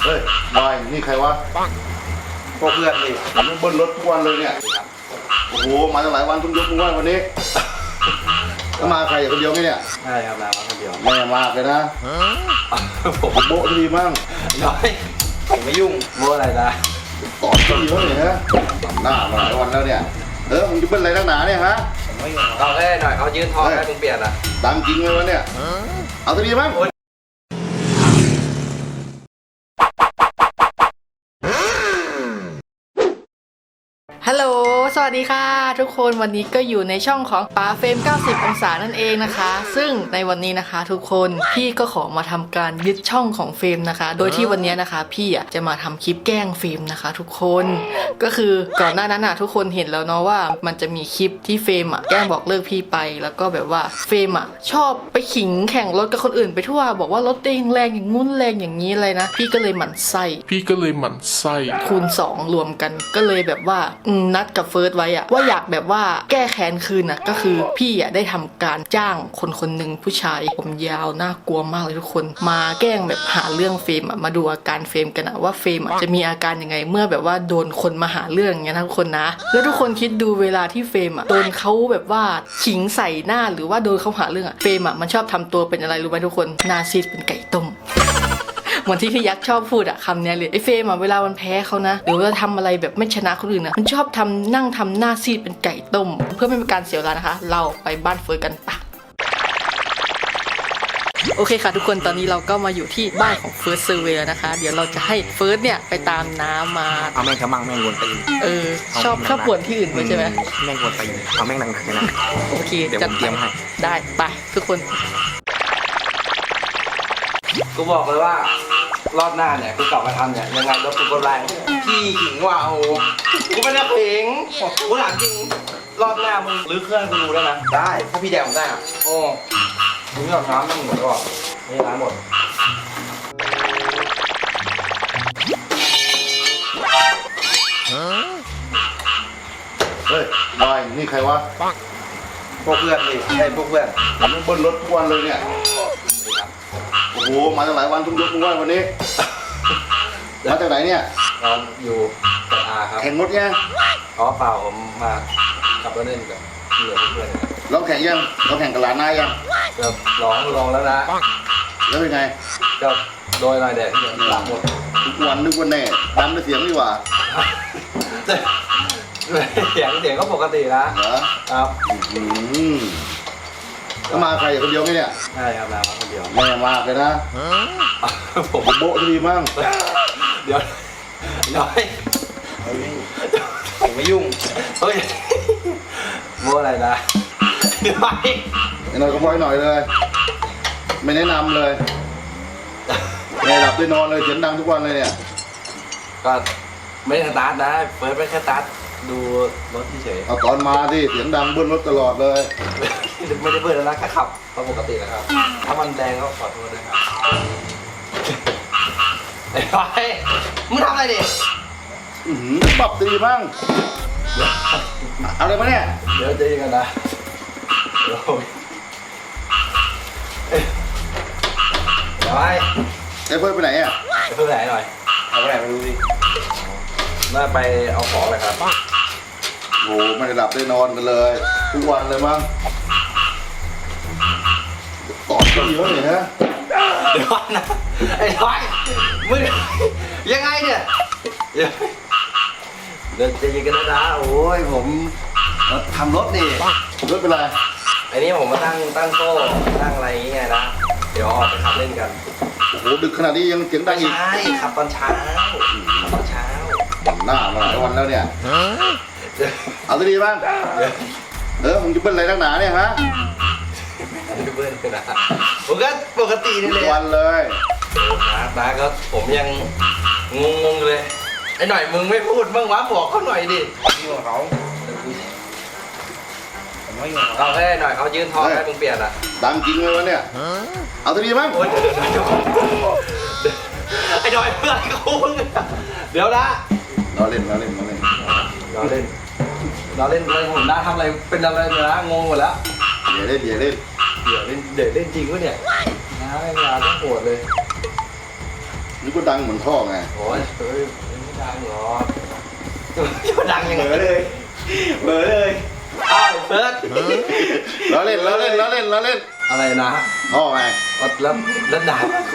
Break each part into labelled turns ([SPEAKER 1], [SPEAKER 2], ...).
[SPEAKER 1] เฮ้ยบอยนี่ใครวะ
[SPEAKER 2] พวกเพื่อนดิ
[SPEAKER 1] ผมเบิ้ลรถทุกวันเลยเนี่ยโอ้โหมาตั้งหลายวันทุกยกทุกวันวันนี้ก็มาใครคนเดียวไงเนี่ย
[SPEAKER 2] ใช่ครับมาคนเดียว
[SPEAKER 1] แม่มากเลยนะผมโบ๊ะดีมั่ง
[SPEAKER 2] น้อยผมไม่ยุ่งโบ๊ะอะไรนะ
[SPEAKER 1] ตอบก็ดีแล้วเนี่ยฮะหน้ามาหลายวันแล้วเนี่ยมึงจะเบิ้ลอะไรนักหนาเนี่ยฮะ
[SPEAKER 2] ผมไม่ยุ่งเราแค่หน่อยเขายืนทองให้มึงเปลี่ยนอ่ะ
[SPEAKER 1] ดังจริงเลยวะเนี่ยเอาตัวดีมั้ง
[SPEAKER 3] ฮัลโหลสวัสดีค่ะทุกคนวันนี้ก็อยู่ในช่องของป๋าเฟรม90องศานั่นเองนะคะซึ่งในวันนี้นะคะทุกคนพี่ก็ขอมาทำการยึดช่องของเฟรมนะคะโดยที่วันนี้นะคะพี่จะมาทำคลิปแกล้งเฟรมนะคะทุกคนก็คือก่อนหน้านั้นทุกคนเห็นแล้วเนาะว่ามันจะมีคลิปที่เฟรมแกล้งบอกเลิกพี่ไปแล้วก็แบบว่าเฟรมชอบไปขิงแข่งรถกับคนอื่นไปทั่วบอกว่ารถเองแรงอย่างงุ้นแรงอย่างนี้เลยนะพี่ก็เลยหมั่นไส้คูณ2รวมกันก็เลยแบบว่านัดกับเฟิร์สไว้ว่าอยากแบบว่าแก้แค้นคืนก็คือพี่ได้ทำการจ้างคนหนึ่งผู้ชายผมยาวน่ากลัวมากเลยทุกคนมาแกล้งแบบหาเรื่องเฟรมมาดูอาการเฟรมกันว่าเฟรมจะมีอาการยังไงเมื่อแบบว่าโดนคนมาหาเรื่องอย่างเงี้ยนะทุกคนนะแล้วทุกคนคิดดูเวลาที่เฟรมโดนเขาแบบว่าขิงใส่หน้าหรือว่าโดนเขาหาเรื่องเฟรมมันชอบทำตัวเป็นอะไรรู้ไหมทุกคนหน้าซีดเป็นไก่ต้มเหมือนที่พี่ยักษ์ชอบพูดคำนี้เลยไอ้เฟรมเวลามันแพ้เขานะหรือว่าทำอะไรแบบไม่ชนะคนอื่นมันชอบนั่งทำหน้าซีดเป็นไก่ต้มเพื่อไม่เป็นการเสียเวลานะคะเราไปบ้านเฟิร์สกันปะโอเคค่ะทุกคนตอนนี้เราก็มาอยู่ที่บ้านของเฟิร์สเซอร์เวย์นะคะเดี๋ยวเราจะให้เฟิร์สเนี่ยไปตามน้ำมา
[SPEAKER 2] เอาแม่งกระมังแม่งวนตี
[SPEAKER 3] ชอบปวดที่อื่นใช่ไหม
[SPEAKER 2] แม่งวนตีเอาแม่งหนักๆนะ
[SPEAKER 3] โอเค
[SPEAKER 2] เดี๋ยวผมเตรียมให้
[SPEAKER 3] ได้ไปทุกคน
[SPEAKER 2] กูบอกเลยว่ารอบหน้าเนี่ยกูกลับมาทำเนี่ยยังไงรถกูก็แรงพี่ขิงว่าโอ้กูไม่ได้ขิงกูถามจริงรอบหน้ามึงรื้อเครื่องกูดูได้ไหมได้ถ้าพี่แดงผมได้โอ้มึงไม่เอาน้ำมึงหมดก่อนนี่น้ำหมด
[SPEAKER 1] เฮ้ยบอยนี่ใครวะ
[SPEAKER 2] พวกเพื่อนดิใช่พวกเพื่อน
[SPEAKER 1] ผมเบิ้ลรถทุกวันเลยเนี่ยโอ้โหมาตั้งหลายวันทุกยกทุกวันวันนี้มาจากไหนเนี่ย
[SPEAKER 2] เราอยู่กับอาครับ
[SPEAKER 1] แข่งรถไง
[SPEAKER 2] อ๋อเปล่าผมมาขับรถเล่นกับเพื่อน
[SPEAKER 1] เราแข่งยังเราแข่งกับหลานนายยัง
[SPEAKER 2] ก็ลองแล้วนะ
[SPEAKER 1] แล้วเป็นไง
[SPEAKER 2] ก็โดยหน่อยแดดที่หลังหมด
[SPEAKER 1] ทุกวันนึกว่าแน่ดันด้วยเสียงดีกว่า
[SPEAKER 2] เสียงก็ปกตินะครับ
[SPEAKER 1] ก็มาใครคนเดียวไงเนี่ย
[SPEAKER 2] ใช่ครับมาคนเดียว
[SPEAKER 1] แม่มากเลยนะผมโบ๊ะดีมั่ง
[SPEAKER 2] เดี๋ยวน้อยผมไม่ยุ่งเฮ้ยโบ๊ะอะไรนะเดี๋ยว
[SPEAKER 1] หน่อยก็บ่อยหน่อยเลยไม่แนะนำเลยไม่หลับได้นอนเลยเสียงดังทุกวันเลยเนี่ย
[SPEAKER 2] ก็ไม่ได้สตาร์ทนะเปิดไปแค่สตาร์ทดูรถเฉย
[SPEAKER 1] เอาตอนมาที่เสียงดังเบิ้ลรถตลอดเลย
[SPEAKER 2] ไม่ได้เบิ้ลแล้วนะแค่ขับปกตินะครับถ้ามันแดงก็ขอโทษด้วยครับไอ้ไฟมึงทำอะไรดิ
[SPEAKER 1] ปรับตีบ้างเอาเลยมาเนี่ย
[SPEAKER 2] เดี๋ยวเจอกันนะเดี๋ยวไป
[SPEAKER 1] ไอ้เพื่อนไปไหน
[SPEAKER 2] ไปเพื่อนไหนหน่อยเอาไปไหนไม่รู้สิน่าไปเอาของเลยครับ
[SPEAKER 1] โอ้ไม่ได้หลับได้นอนกันเลยทุกวันเลยมั้งตอบก็เยอะเลยฮะ
[SPEAKER 2] เดี๋ยวนะไอ้ท้อยมึงยังไงเนี่ยเดี๋ยวจะยิงกันนะโอ้ยผมทำรถดิ
[SPEAKER 1] รถเป็นไร
[SPEAKER 2] ไอ้นี่ผมมาตั้งโซ่ตั้งอะไรอย่างเงี้ยนะเดี๋ยวออกไปขับเล่นกัน
[SPEAKER 1] โอ้โหดึกขนาดนี้ยังเสียงดังอีก
[SPEAKER 2] ใช่ขับตอนเช้า
[SPEAKER 1] หน้ามาหลายวันแล้วเนี่ยเอาตัวดีบ้างมึงจะเบิ้ลอะไรนักหนาเนี่ยฮะ
[SPEAKER 2] ไม่เบิ้ลนะผมก็ปกตินี่แหละ
[SPEAKER 1] วันเลย
[SPEAKER 2] นะก็ผมยังงงเลยไอ้หน่อยมึงไม่พูดบ้างวะบอกเขาหน่อยดิพี่บอกเขาเราแค่หน่อยเขายืนทองให้มึงเปลี่ยน
[SPEAKER 1] ดังจริงเลยวะเนี่ยเอาตัวดีบ้าง
[SPEAKER 2] ไอ้หน่อยเพื่อนเขาเดี๋ยวนะ
[SPEAKER 1] เราเล่นอะไร
[SPEAKER 2] ผมน่าทำอะไรเป็นอะไรเนี่ยนะงงหมดแล้ว
[SPEAKER 1] เดี๋ยวเล่น
[SPEAKER 2] จริงวะเนี่ยนะเวลาต้องโหดเลย
[SPEAKER 1] นี่ก็ดังเหมือนท่อไง
[SPEAKER 2] โอ้ยเฮ้ยไม่ดังหรอกจะดังยังไงเลยเบอเลยอ้าวเฟิร์ส
[SPEAKER 1] ล้อเล่นล้อเล่นล้อเล่นล้อเล่น
[SPEAKER 2] อะไรนะ
[SPEAKER 1] ท่อไง
[SPEAKER 2] แล้วด่ากู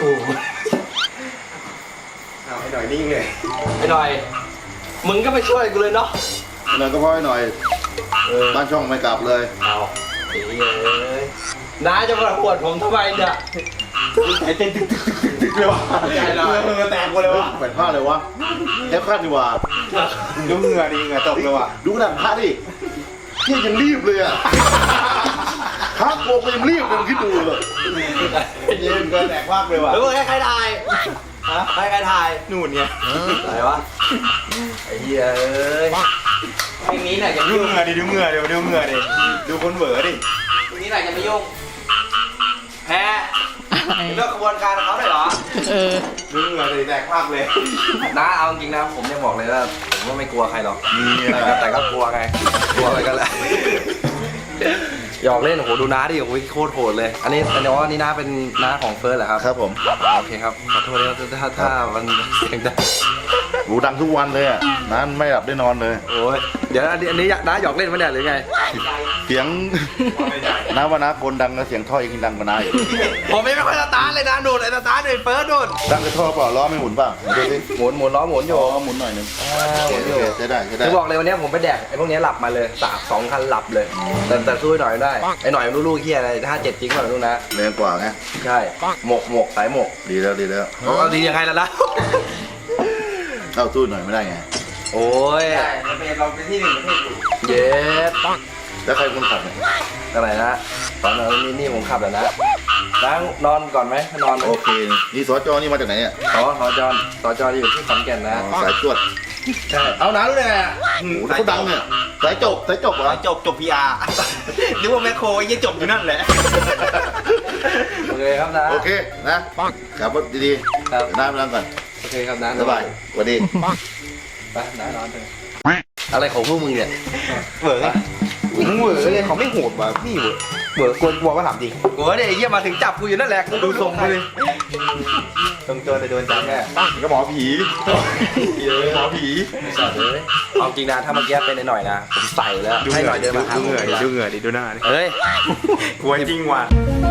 [SPEAKER 4] เอาไอ้หน่อยนิ่งเลย
[SPEAKER 2] ไอ้หน่อยมึงก็ไปช่วยกูเลยเนาะ
[SPEAKER 1] หน่อยก็พอให้หน่อย บ้านช่องไม่กลับเลย
[SPEAKER 2] เอาไอ้เหี้ยเอ้ยน้าจะมาปวดผมทำไมเนี่ย
[SPEAKER 4] ไอ้เต้นตึกเลยวะเหงื่อแตกหมดเลยวะ
[SPEAKER 1] แขวนผ้าเลยวะแค่คาดดีกว่า
[SPEAKER 4] ดูเหงื่อดิเหงื่อตกเลยวะ
[SPEAKER 1] ดูหนังผ้าดิเนี่ยยังรีบเลยอ่ะครับโกก็ยังรีบเลยคิดดูเลย
[SPEAKER 4] ยืนเหงื่อแตกมากเลยวะ
[SPEAKER 2] หรือว่าใครถ่ายฮะใครถ่าย
[SPEAKER 4] นู่นเนี่ย
[SPEAKER 2] ไหนวะไอ้เหี้ยเอ้ยเพลงนี้เนี่ยอย่า
[SPEAKER 4] ดู
[SPEAKER 2] ยุ่ง
[SPEAKER 4] เหงื่อดิดูเหงื่อดิดูเหงื่อดิดูคนเหวอดิ
[SPEAKER 2] เพลงนี้ไหนจะไม่ยุ่งแพ้เลิกกระบวนการเขาได้เหรอ
[SPEAKER 4] ดูเหงื่อดิแตกมากเลย
[SPEAKER 2] น้าเอาจริงนะผมยังบอกเลยว่าผมก็ไม่กลัวใครหรอกแต่ก็กลัวไงกลัวอะไรกันแหละหยอกเล่นโอ้โหดูน้าดิโอ้โหโคตรโหดเลยอันนี้ว่านี่น้าเป็นน้าของเฟิร์สเหรอครับ
[SPEAKER 1] ครับผม
[SPEAKER 2] โอเคครับขอโทษด้วยถ้ามันเสียงดัง
[SPEAKER 1] หูดังทุกวันเลยอ่ะนั้นไม่หลับได้นอนเลย
[SPEAKER 2] โอ้ยเดี๋ยวอันนี้น้าหยอกเล่นมั้ยเนี่ยหรือไง
[SPEAKER 1] เสียงน้าว่าน้าคนดังแล้วเสียงท่อยังดังกว่าน้าอีก
[SPEAKER 2] ผมไม่ค่อยสตาร์ทเลยนะโดนไอ้สตาร์ทเลยเฟิร์สโดน
[SPEAKER 1] ดังกระท่อเปล่าล้อไม่หมุนเปล่าดูสิ
[SPEAKER 2] หมุนล้อหมุนอยู่
[SPEAKER 1] อ๋อหมุนหน่อยหนึง
[SPEAKER 2] หมุนอยู่
[SPEAKER 1] ใช้ได้ใช้ได้
[SPEAKER 2] จะบอกเลยวันนี้ผมไปแดกไอ้พวกนี้หลับมาเลย2 คันหลับเลยแต่สู้หน่อยได้ไอ้หน่อยลูกเฮียอะไร57จริงเปล่าลูกนะ
[SPEAKER 1] แรงกว่าไง
[SPEAKER 2] ใช่หมกสายหมก
[SPEAKER 1] ดีแล้วดีแล้ว
[SPEAKER 2] เอาดียังไงล่ะนะ
[SPEAKER 1] เข้าสู้หน่อยไม่ได้ไง
[SPEAKER 2] โอ้ย
[SPEAKER 4] เราเป็นที่หนึ่งประเทศอยู่
[SPEAKER 2] เย็ด
[SPEAKER 1] แล้วใครคนขับเนี่ย
[SPEAKER 2] อะไรนะตอนนั้นนี่ผมขับแล้วนะนั่งนอนก่อนไหมนอนไหม
[SPEAKER 1] โอเคนี่สจนี่มาจากไหนเนี่ย
[SPEAKER 2] สจอยู่ที่ขอนแก่นนะ
[SPEAKER 1] อ๋อสายตรวจ
[SPEAKER 2] ใช่เอาน้ารู้ได้ไงอ่ะ
[SPEAKER 1] โอ้โหเขาดังเนี่ยสายจบเหรอ
[SPEAKER 4] จบ PR หรือว่าแมคโครยังจบอยู่นั่นแหละ
[SPEAKER 2] โอเคครับนะ
[SPEAKER 1] โอเคนะขับรถดี
[SPEAKER 2] ครับ
[SPEAKER 1] ๆเดี๋ยวน้าไปนั่งก่อน
[SPEAKER 2] โอเคครับนะ
[SPEAKER 1] สบายสวัสดี
[SPEAKER 2] ไปน้านอนเถอะอะไรของพวกมึงเนี่ย
[SPEAKER 4] เหวอไงมึงเหวอเลยเขาไม่โหดว่ะพี่เหวอกลัวก็ถามจริง
[SPEAKER 2] กูว่าเนี่ยไอ้เหี้ยมาถึงจับกูอยู่นั่นแหละกู
[SPEAKER 4] ดูทรงไปเลยต้องโดนแต่โดนจับแน่ก็หมอผีหมอผี
[SPEAKER 2] สัตว์เลยเอาจริงนะถ้าเมื่อกี้เป็นไอ้หน่อยนะผมใส่แล้วให้หน่อยเดินมาหา
[SPEAKER 4] ดู
[SPEAKER 2] ผม
[SPEAKER 4] เหงื่อดิ
[SPEAKER 2] เลย
[SPEAKER 4] ดูเหงื่อดิดูหน้าดิ
[SPEAKER 2] เฮ้ย
[SPEAKER 4] กลัวจริงว่ะ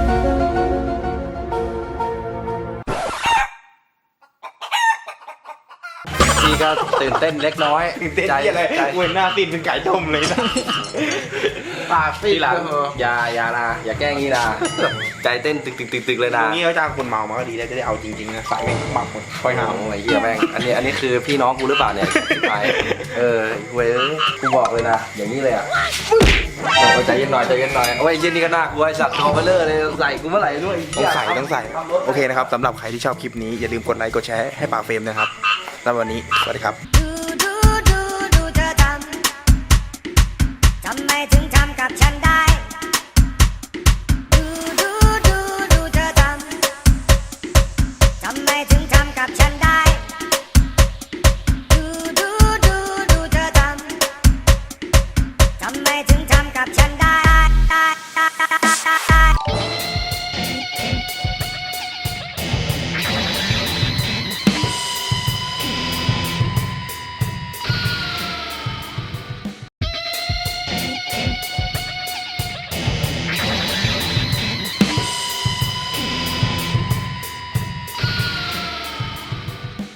[SPEAKER 2] พี่ก็ตื่นเต้นเล็กน้อย
[SPEAKER 4] เต้นที่อะไร
[SPEAKER 2] ใจ
[SPEAKER 4] เว้นหน้าตีนเป็นไก่ต้มเลยนะ
[SPEAKER 2] ปากซีดหลังอย่านะอย่าแกล้งงี้นะใจเต้นตึกเลย
[SPEAKER 4] ตร
[SPEAKER 2] นะ
[SPEAKER 4] งนี้เขาจ้างคนเมามาก็ดีแล้วจะได้เอาจริงๆนะสายแม่งหมักหมดคอยหา
[SPEAKER 2] โอ้ยเหี้ยแม่งอันนี้คือพี่น้องกูหรือเปล่าเนี่ยไปเว้ยกูบอกเลยนะอย่างนี้เลยอ่ะใจเย็นหน่อยโอ้ยเย็นนี่ก็น่ากลัวไอ้สัตว์ทอเบลเลอร์เลยใส่กูเมื่อไหร่ด้วย
[SPEAKER 4] ต้องใส่โอเคนะครับสำหรับใครที่ชอบคลิปนี้อย่าลืมกดไลค์กดแชร์ให้ป่าเฟรมนะครับแล้ววันนี้สวัสดีครับ
[SPEAKER 5] ดูเธอทำทำไมถึงทำกับฉันได้